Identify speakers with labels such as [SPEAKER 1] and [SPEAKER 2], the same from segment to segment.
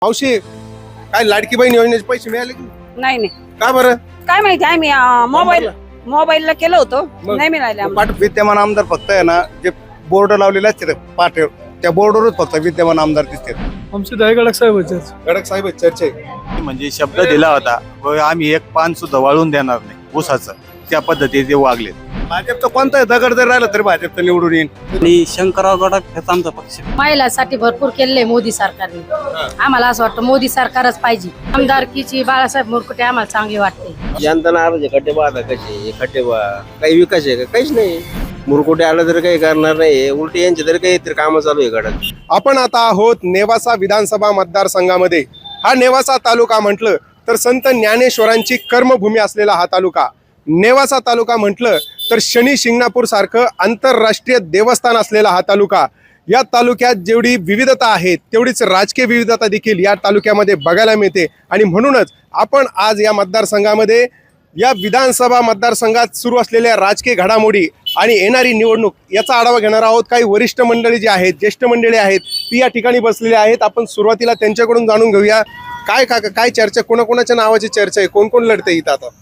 [SPEAKER 1] मावशी काय लाडकी बहीण योजनेचे पैसे मिळाले की
[SPEAKER 2] नाही नाही
[SPEAKER 1] का बरं?
[SPEAKER 2] काय माहिती आम्ही मोबाईलला केलं होतं
[SPEAKER 1] मग?
[SPEAKER 2] नाही मिळाले आम्हाला.
[SPEAKER 3] विद्यमान आमदार फक्त आहे ना जे बोर्ड लावलेले असते पाठे त्या बोर्डवरच फक्त विद्यमान आमदार दिसते.
[SPEAKER 4] आमचे दहीगडक साहेब
[SPEAKER 1] गडक साहेब चर्चा आहे.
[SPEAKER 5] म्हणजे शब्द दिला होता व आम्ही एक पान सुद्धा वाळून देणार नाही ऊसाचं, त्या पद्धतीने ते वागले.
[SPEAKER 3] भाजपचं कोणतं दगड जर राहिलं तरी भाजपचं निवडून येईल.
[SPEAKER 5] आणि शंकरराव गडाख हेच आमचा पक्ष.
[SPEAKER 6] महिलांसाठी भरपूर केले मोदी सरकारने. आम्हाला असं वाटतं मोदी सरकारच पाहिजे. आमदारकीची बाळासाहेब मुरकुटे आम्हाला चांगली वाटते.
[SPEAKER 7] जनता अर्ज खड्डे बांधा कसे खड्डे बा काही विकास आहे का? काहीच नाही. मुरकुटे आलं तर काही करणार नाही. उलटे यांचे तरी काही काम चालू आहे गडात.
[SPEAKER 1] आपण आता आहोत नेवासा विधानसभा मतदारसंघामध्ये. हा नेवासा तालुका म्हटलं तर संत ज्ञानेश्वरांची कर्मभूमी असलेला हा तालुका. नेवासा तालुका म्हटलं तर शनी शिंगणापूर सारखं आंतरराष्ट्रीय देवस्थान असलेला हा तालुका. या तालुक्यात जेवढी विविधता आहे तेवढीच राजकीय विविधता देखील या तालुक्यामध्ये बघायला मिळते. आणि म्हणूनच आपण आज या मतदारसंघामध्ये या विधानसभा मतदारसंघात सुरू असलेल्या राजकीय घडामोडी आणि येणारी निवडणूक याचा आढावा घेणार आहोत. काही वरिष्ठ मंडळी जी आहेत, ज्येष्ठ मंडळी आहेत, ती या ठिकाणी बसलेली आहेत. आपण सुरुवातीला त्यांच्याकडून जाणून घेऊया काय चर्चा, कोणाकोणाच्या नावाची चर्चा आहे, कोण कोण लढते इथं आता?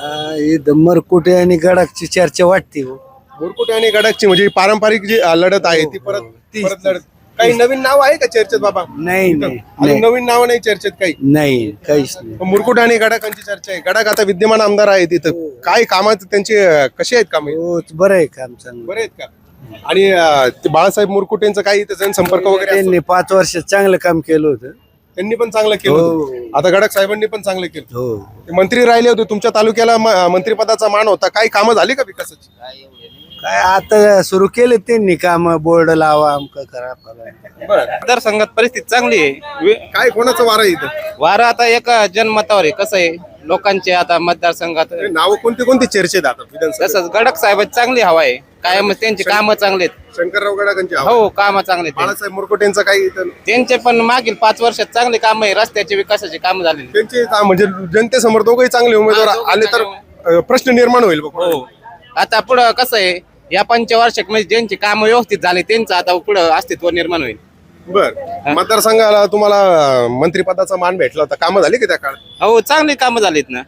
[SPEAKER 8] मरकुटे आणि गडाकची चर्चा वाटते.
[SPEAKER 1] मुरकुटे आणि गडाकची म्हणजे पारंपरिक जी लढत आहे ती परत लढत. काही नवीन नाव आहे का चर्चेत बाबा?
[SPEAKER 8] नाही
[SPEAKER 1] अजून नवीन नाव नाही चर्चेत काही?
[SPEAKER 8] नाही काहीच नाही.
[SPEAKER 1] मुरकुटे आणि गडाकांची चर्चा आहे. गडाक आता विद्यमान आमदार आहेत तिथं. काय कामात त्यांचे कसे आहेत काम?
[SPEAKER 8] बरं आहे काम चांगलं.
[SPEAKER 1] बरे आहेत का? आणि ते बाळासाहेब मुरकुटेंचं काही जनसंपर्क वगैरे
[SPEAKER 8] त्यांनी 5 वर्ष चांगलं काम केलं होतं.
[SPEAKER 1] त्यांनी पण चांगलं केलं होतं. आता गडाख साहेबांनी पण चांगलं केलं.
[SPEAKER 8] हो
[SPEAKER 1] ते मंत्री राहिले होते, तुमच्या तालुक्याला मंत्रिपदाचा मान होता. काही कामं झाली का विकासाची?
[SPEAKER 8] काय आता सुरू केले त्यांनी काम. बोर्ड लावा अमका करा
[SPEAKER 1] बरं.
[SPEAKER 9] मतदारसंघात परिस्थिती चांगली आहे.
[SPEAKER 1] काय कोणाचं वार आहे इथं?
[SPEAKER 9] वारं आता एका जनमतावर आहे. कसं आहे लोकांचे आता मतदारसंघात
[SPEAKER 1] नाव कोणती चर्चेत आता विधानसभेत?
[SPEAKER 9] तसंच गडक साहेब चांगली हवा आहे. कायम त्यांची कामं चांगली आहेत.
[SPEAKER 1] शंकरराव गडाकांची हवा.
[SPEAKER 9] हो कामं चांगली आहेत.
[SPEAKER 1] बाळासाहेब मुरकुटेंचं काही इथं
[SPEAKER 9] त्यांचे पण मागील 5 वर्षात चांगली कामं आहे. रस्त्याचे विकासाची कामं झालेली.
[SPEAKER 1] त्यांचे म्हणजे जनतेसमोर दोघंही चांगले उमेदवार आले तर प्रश्न निर्माण होईल बघ.
[SPEAKER 9] हो आता पुढं कसं आहे या पंचवार्षिक म्हणजे ज्यांची कामं व्यवस्थित झाली त्यांचं आता पुढं अस्तित्व निर्माण होईल.
[SPEAKER 1] बर. मतदारसंघाला तुम्हाला मंत्रिपदाचा मान भेटला होता. कामं झाली की त्या काळात?
[SPEAKER 9] हो चांगली कामं झालीत ना.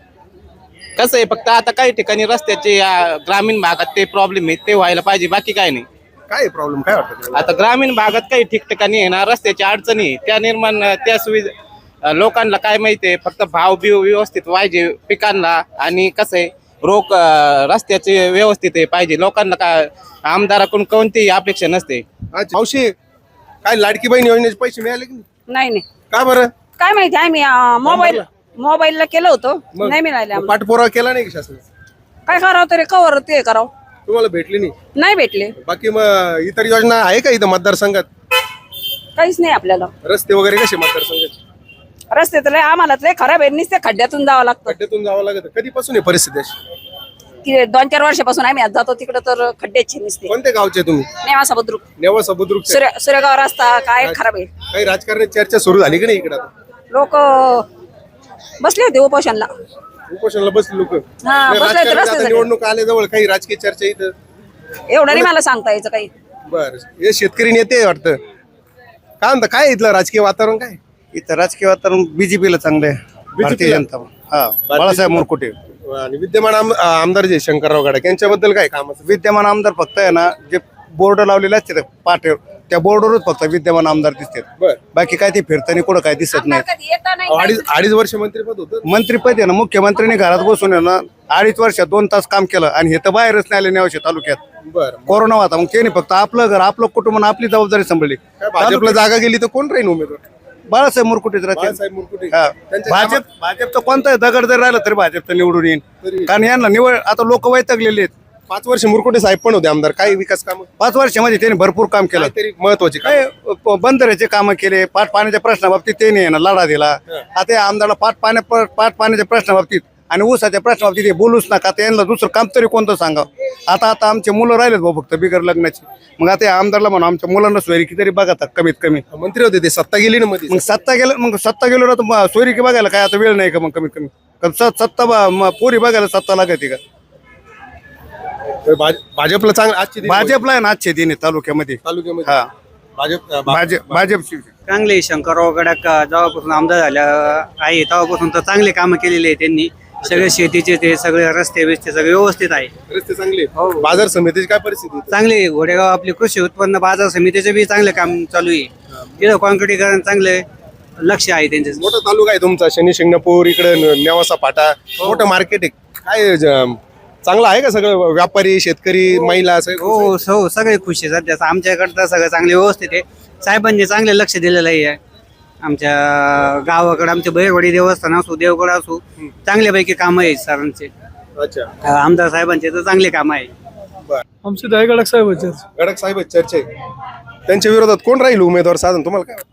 [SPEAKER 9] कसं आहे फक्त आता काही ठिकाणी रस्त्याचे ग्रामीण भागात ते प्रॉब्लेम आहे ते व्हायला पाहिजे. बाकी काय नाही.
[SPEAKER 1] काय प्रॉब्लेम काय वाटतं?
[SPEAKER 9] आता ग्रामीण भागात काही ठिकठिकाणी आहे ना रस्त्याची अडचणी आहे. त्या निर्माण त्या सुविधा लोकांना काय माहितीये फक्त भाव बिव व्यवस्थित पाहिजे पिकांना. आणि कसं आहे रोग रस्त्याचे व्यवस्थित आहे पाहिजे. लोकांना काय आमदाराकडून कोणतीही अपेक्षा नसते.
[SPEAKER 1] मावशी काय लाडकी बहीण योजनेचे पैसे मिळाले की
[SPEAKER 2] नाही नाही
[SPEAKER 1] का बरं?
[SPEAKER 2] काय माहिती आम्ही मोबाईलला केलं होतं नाही मिळाले आम्हाला.
[SPEAKER 1] पाठपुरावा केला नाही की शासन?
[SPEAKER 2] काय करावं तरी कवर ते करावं
[SPEAKER 1] तुम्हाला भेटले नाही?
[SPEAKER 2] नाही भेटले.
[SPEAKER 1] बाकी मग इतर योजना आहे का इथं मतदारसंघात?
[SPEAKER 2] काहीच नाही आपल्याला.
[SPEAKER 1] रस्ते वगैरे कसे मतदारसंघात?
[SPEAKER 2] रस्ते तर लय आम्हाला लय खराब आहे. नुसते खड्ड्यातून जावं लागतं.
[SPEAKER 1] खड्ड्यातून जावं लागत. कधीपासून आहे परिस्थिती अशी?
[SPEAKER 2] की 2-4 वर्षापासून आम्ही आज जातो तिकडे तर खड्ड्याचे नुसते.
[SPEAKER 1] कोणत्या गावचे तुम्ही?
[SPEAKER 2] नेवासा बुद्रुक
[SPEAKER 1] नेवासा बुद्रुक.
[SPEAKER 2] सूर्यगाव रस्ता काय खराब आहे.
[SPEAKER 1] काही राजकारणाची चर्चा सुरू झाली की नाही इकडे?
[SPEAKER 2] लोक बसले होते उपोषणला.
[SPEAKER 1] उपोषणाला बसले लोक.
[SPEAKER 2] हा, बसले होते रस्त्यासाठी.
[SPEAKER 1] निवडणूक आल्या जवळ काही राजकीय चर्चा इथं?
[SPEAKER 2] एवढं नाही मला सांगता यायचं काही.
[SPEAKER 1] बर. हे शेतकरी नेते वाटतं. काय म्हणता काय इथलं राजकीय वातावरण काय?
[SPEAKER 3] इथं राजकीय वातावरण बीजेपीला चांगलं आहे. भारतीय जनता हा बाळासाहेब मुरकुटे.
[SPEAKER 1] आणि विद्यमान आमदार जे शंकरराव गडाख यांच्याबद्दल काय काम?
[SPEAKER 3] विद्यमान आमदार फक्त आहे ना जे बोर्ड लावलेले असते पाठे त्या बोर्डवरच फक्त विद्यमान आमदार दिसतात.
[SPEAKER 1] बर.
[SPEAKER 3] बाकी काय ते फिरताना कुठं काय दिसत नाही.
[SPEAKER 2] कधी येता नाही.
[SPEAKER 1] अडीच वर्ष मंत्रिपद होतं.
[SPEAKER 3] मंत्रीपद आहे ना मुख्यमंत्र्यांनी घरात बसून आहे ना 2.5 वर्षात 2 तास काम केलं. आणि हे तर बाहेरच नाही आले नेवाशे तालुक्यात.
[SPEAKER 1] बर.
[SPEAKER 3] कोरोना होता मग त्याने फक्त आपलं घर आपलं कुटुंब आपली जबाबदारी सांभाळली.
[SPEAKER 1] भाजपला जागा गेली तर कोण राहील उमेदवार?
[SPEAKER 3] बाळासाहेब मुरकुटेच राहते.
[SPEAKER 1] बाळासाहेब मुरकुटे.
[SPEAKER 3] हा.
[SPEAKER 1] त्यांच्या
[SPEAKER 3] भाजपचं कोणतं दगड जर राहिलं तरी भाजपचं निवडून येईल. कारण यांना निवड आता लोक वैतागलेले आहेत.
[SPEAKER 1] 5 वर्ष मुरकुटे साहेब पण होते आमदार. काही विकास काम?
[SPEAKER 3] 5 वर्षामध्ये त्यांनी भरपूर काम केलं.
[SPEAKER 1] तरी महत्वाचे
[SPEAKER 3] काय बंदराचे कामं केले. पाण्याच्या प्रश्नाबाबतीत त्यांनी ना लढा दिला. आता या आमदारला पाण्याच्या प्रश्नाबाबतीत आणि ऊसाच्या प्रश्नाबाबतीत हे बोलूच नका. आता यांना दुसरं काम तरी कोणतं सांगा. आता आमचे मुलं राहिलेत भाऊ फक्त बिगर लग्नाची. मग आता या आमदारला म्हणून आमच्या मुलांना सोयरीकी तरी बघा कमीत कमी.
[SPEAKER 1] मंत्री होते ते सत्ता गेली ना मध्ये.
[SPEAKER 3] मग सत्ता गेलो ना तर सोयरीकी बघायला काय आता वेळ नाही का? मग कमीत कमी सत्ता पोरी बघायला सत्ता लागते का?
[SPEAKER 1] भाजपला चांगलं आजची
[SPEAKER 3] भाजपला आहे ना आजचे दिन तालुक्यामध्ये.
[SPEAKER 1] तालुक्यामध्ये
[SPEAKER 3] हा भाजप
[SPEAKER 8] चांगले शंकरराव गडाख जेव्हापासून आमदार झाल्या आहे तेव्हापासून तर चांगले कामं केलेले आहे त्यांनी. सगळे शेतीचे ते सगळे रस्ते बिस्ते सगळे व्यवस्थित आहे.
[SPEAKER 1] रस्ते चांगले बाजार समितीची काय परिस्थिती आहे?
[SPEAKER 8] चांगले घोडेगाव आपले कृषी उत्पन्न बाजार समितीचे बी चांगले काम चालू आहे. तिथं कॉन्क्रिटीकरण चांगले लक्ष आहे त्यांचं.
[SPEAKER 1] मोठा तालुका आहे तुमचा शनी शिंगणापूर, इकडे नेवासा फाटा, मोठं मार्केट आहे. काय चांगलं आहे का सगळं? व्यापारी, शेतकरी, महिला
[SPEAKER 8] हो सगळे खुश आहे सध्या. आमच्याकडे तर सगळं चांगले व्यवस्थित आहे. साहेबांनी चांगले लक्ष दिलेलं आहे. आमच्या गावाकडे आमचे बैरवाडी देवस्थान असो, देवगड असो, चांगल्यापैकी कामं आहेत सरांचे.
[SPEAKER 1] अच्छा,
[SPEAKER 8] आमदार साहेबांचे तर चांगले काम आहे.
[SPEAKER 4] आमचे दहा गडक साहेब आहेत.
[SPEAKER 1] गडक साहेब चर्चे त्यांच्या विरोधात कोण राहील उमेदवार साधन तुम्हाला काय?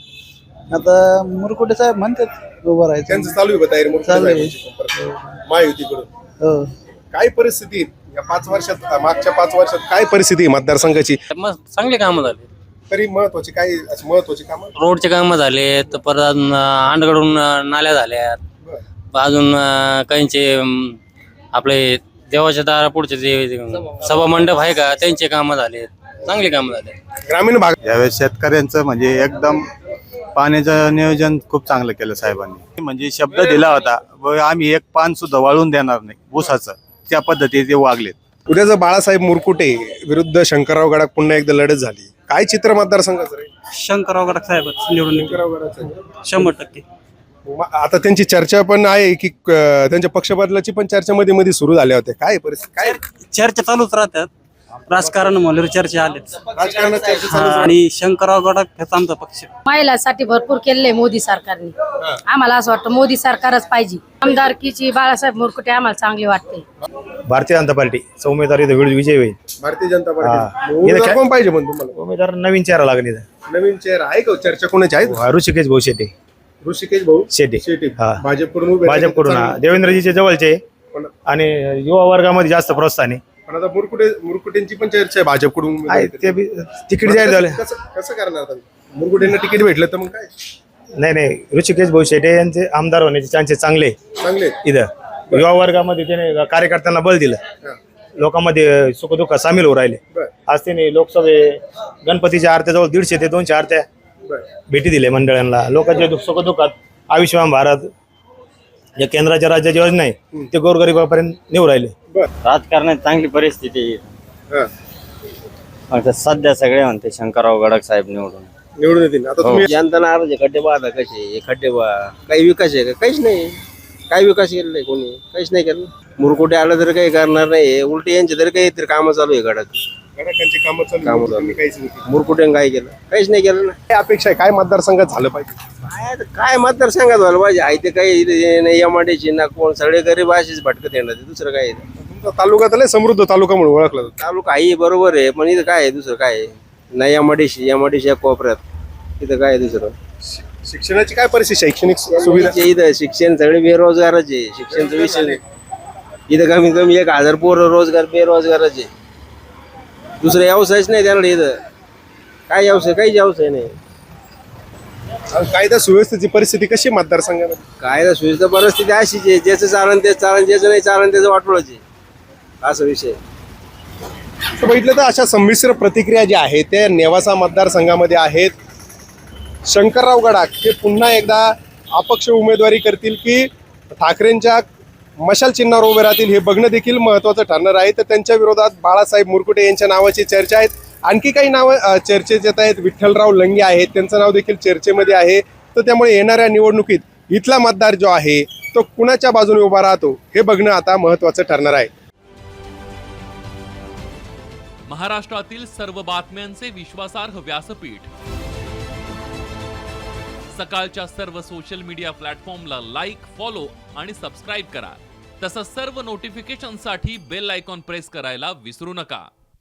[SPEAKER 8] आता मुरकुटे साहेब म्हणतात उभं राहायचं.
[SPEAKER 1] त्यांचं चालू आहे तयारी महायुतीकडून. काय परिस्थिती या 5 वर्षात, मागच्या 5 वर्षात काय परिस्थिती आहे मतदारसंघाची?
[SPEAKER 10] चांगले कामं झाले.
[SPEAKER 1] तरी महत्वाची काय महत्वाची कामं?
[SPEAKER 10] रोडचे कामं झाले, तर परत अंडकडून नाल्या झाल्यात. अजून काहींचे आपले देवाच्या दारा पुढचे जे सभा मंडप आहे का त्यांचे कामं झाले, चांगले कामं झाले.
[SPEAKER 1] ग्रामीण भाग
[SPEAKER 5] यावेळेस शेतकऱ्यांचं म्हणजे एकदम पाण्याचं नियोजन खूप चांगलं केलं साहेबांनी. म्हणजे शब्द दिला होता, आम्ही एक पान सुद्धा वाळून देणार नाही ऊसाचं, त्या पद्धतीने ते वागलेत.
[SPEAKER 1] उद्या जर बाळासाहेब मुरकुटे विरुद्ध शंकरराव गडाख पुन्हा एकदा लढत झाली, काय चित्र मतदारसंघाचं राहील?
[SPEAKER 8] शंकरराव गडाख साहेब निवडून
[SPEAKER 1] शंकरराव गडाचं.
[SPEAKER 8] 100%.
[SPEAKER 1] आता त्यांची चर्चा पण आहे की त्यांच्या पक्ष बदलाची पण चर्चा मध्ये सुरू झाल्या होत्या. काय परिस्थिती, काय
[SPEAKER 8] चर्चा चालूच राहतात. राजकारण म्हणल्यावर चर्चा आलेच.
[SPEAKER 1] राजकारणात चर्चा चालू आहे?
[SPEAKER 8] आणि शंकरराव गडाख ह्याचा आमचा पक्ष.
[SPEAKER 6] महिलांसाठी भरपूर केलेले मोदी सरकारने. आम्हाला असं वाटतं मोदी सरकारच पाहिजे. आमदारकीची बाळासाहेब मुरकुटे आम्हाला चांगली वाटते.
[SPEAKER 3] भारतीय जनता पार्टी उमेदवार विजय होईल.
[SPEAKER 1] भारतीय जनता पार्टी उमेदवार कोण पाहिजे पण तुम्हाला?
[SPEAKER 3] उमेदवार नवीन चेहरा लागले.
[SPEAKER 1] नवीन चेहरा आहे का? चर्चा कोणाची आहे?
[SPEAKER 3] ऋषिकेश भाऊ शेटे.
[SPEAKER 1] ऋषिकेश भाऊ
[SPEAKER 3] शेटे.
[SPEAKER 1] हा. भाजपकडून उभे आहेत.
[SPEAKER 3] भाजपकडून देवेंद्रजीचे जवळचे आणि युवा वर्गामध्ये जास्त प्रोत्साहन आहे.
[SPEAKER 1] पण आता मुरकुटेंची पण चर्चा आहे भाजपकडून उमेदवार
[SPEAKER 3] आहे
[SPEAKER 1] आहेत.
[SPEAKER 3] ते बी तिकीट जाहीर झालं.
[SPEAKER 1] कसं करणार आता? मुरकुटेंना तिकीट भेटलं तर मग काय?
[SPEAKER 3] नाही ऋषिकेश भाऊ शेटे यांचे आमदार होण्याचे चान्सेस चांगले
[SPEAKER 1] चांगले.
[SPEAKER 3] इथं युवा वर्गामध्ये त्याने कार्यकर्त्यांना बल दिलं. लोकांमध्ये सुखदुःखात सामील होऊ राहिले. आज त्याने लोकसभे गणपतीच्या आरत्याजवळ 150 ते 200 आरत्या भेटी दिल्या मंडळांना. लोकांच्या सुखदुःखात आयुष्यमान भारत या केंद्राच्या राज्याच्या योजना आहे ते गोरगरिबापर्यंत नेऊ राहिले.
[SPEAKER 10] राजकारणात चांगली परिस्थिती आहे. सध्या सगळे म्हणते शंकरराव गडाख साहेब
[SPEAKER 1] निवडून येतील. आता तुम्ही
[SPEAKER 7] जनता नाराज आहे. खड्डे बा कसे खड्डे बा, काही विकास आहे का? काहीच नाही. काही विकास केलेला आहे कोणी? काहीच नाही केलं. मुरकुटे आलं तर काही करणार नाही. उलटे यांचे तरी काही तरी कामं चालू आहे गडात.
[SPEAKER 1] गडाखांची कामं चालू
[SPEAKER 7] कामं
[SPEAKER 1] आहेत.
[SPEAKER 7] चालू.
[SPEAKER 1] तुम्ही काहीच नाही.
[SPEAKER 7] मुरकुट्यानं काय केलं? काहीच नाही केलं ना.
[SPEAKER 1] काय अपेक्षा आहे? काय मतदारसंघात झालं पाहिजे?
[SPEAKER 7] काय मतदारसंघात व्हायला पाहिजे? आहे ते काही एमआयडीसी ना कोण सगळे गरीब अशीच भटकत येणार. दुसरं काय आहे?
[SPEAKER 1] तुमचा तालुका तर लय समृद्ध तालुका म्हणून ओळखला जातो.
[SPEAKER 7] तालुका आहे बरोबर आहे, पण इथं काय आहे? दुसरं काय आहे? नाही एमआयडीसी या कोपऱ्यात इथं काय आहे दुसरं?
[SPEAKER 1] शिक्षणाची काय परिस्थिती? शैक्षणिक सुविधा
[SPEAKER 7] इथं शिक्षण सगळे बेरोजगाराचे. शिक्षणचा विषय नाही. इथं कमीत कमी 1000 पोरं रोजगार बेरोजगाराचे. दुसरा व्यवसायच नाही त्यांना इथं. काय व्यवसाय? काहीच व्यवसाय नाही.
[SPEAKER 1] कायदा सुव्यवस्थेची परिस्थिती कशी आहे मतदारसंघामध्ये?
[SPEAKER 7] कायदा सुविधा परिस्थिती अशीच आहे. ज्याचं चालन तेच चालन, ज्याचं नाही चालन त्याचं वाटोळच आहे. असा विषय.
[SPEAKER 1] तर बघितलं तर अशा संमिश्र प्रतिक्रिया ज्या आहेत त्या नेवासा मतदारसंघामध्ये आहेत. शंकरराव गडाख हे पुन्हा एकदा अपक्ष उमेदवारी करतील की ठाकरेंच्या मशाल चिन्हावर उभे राहतील हे बघणं देखील महत्त्वाचं ठरणार आहे. तर त्यांच्या विरोधात बाळासाहेब मुरकुटे यांच्या नावाची चर्चा आहेत. आणखी काही नावं चर्चेत येत आहेत. विठ्ठलराव लंगे आहेत, त्यांचं नाव देखील चर्चेमध्ये आहे. तर त्यामुळे येणाऱ्या निवडणुकीत इथला मतदार जो आहे तो कुणाच्या बाजूने उभा राहतो हे बघणं आता महत्त्वाचं ठरणार आहे.
[SPEAKER 11] महाराष्ट्रातील सर्व बातम्यांचे विश्वासार्ह व्यासपीठ सकाळच्या सर्व सोशल मीडिया प्लॅटफॉर्मला लाईक, फॉलो आणि सबस्क्राईब करा. तसंच सर्व नोटिफिकेशनसाठी बेल आयकॉन प्रेस करायला विसरू नका.